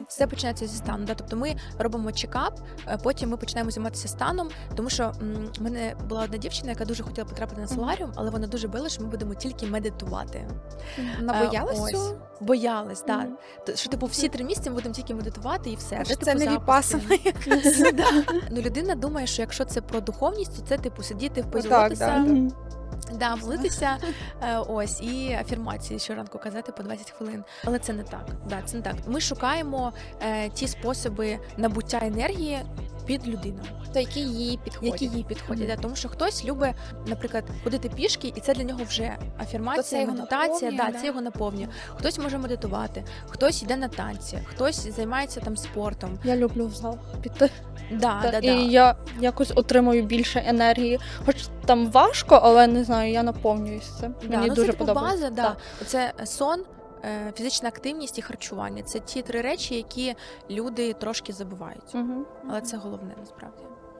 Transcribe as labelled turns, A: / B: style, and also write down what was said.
A: Все починається зі стану. Да? Тобто ми робимо чекап, потім ми починаємо займатися станом, тому що в мене була одна дівчина, яка дуже хотіла потрапити на соларіум, але вона дуже боялася, що ми будемо тільки медитувати.
B: Набоялась
A: Ось.
B: цього?
A: Боялась, так. Що типу всі 3 місяці ми будемо тільки медитувати і все.
B: Може,
A: Де,
B: це
A: типу,
B: не
A: запуски?
B: віпасана якась.
A: Ну, людина думає, що якщо це про духовність, то це типу сидіти в позі
B: Так,
A: лотоса,
B: так.
A: да, молитися, ось, і афірмації щоранку казати по 20 хвилин. Але це не так. Да, це не так. Ми шукаємо ті способи набуття енергії під людину,
B: То які їй підходять.
A: які їй підходять. Да, тому що хтось любить, наприклад, ходити пішки, і це для нього вже
B: То це
A: афірмація,
B: його
A: медитація,
B: наповнює,
A: да,
B: да.
A: це його наповнює. Хтось може медитувати, хтось йде на танці, хтось займається там спортом.
C: Я люблю в зал піти.
A: Да.
C: І я якось отримую більше енергії. Хоч там важко, але не знаю, я наповнююсь цим. Мені
A: ну,
C: дуже
A: це типу
C: подобається.
A: база, да. Це сон, фізична активність і харчування. Це ті 3 речі, які люди трошки забувають.
C: Угу.
A: Але це головне насправді.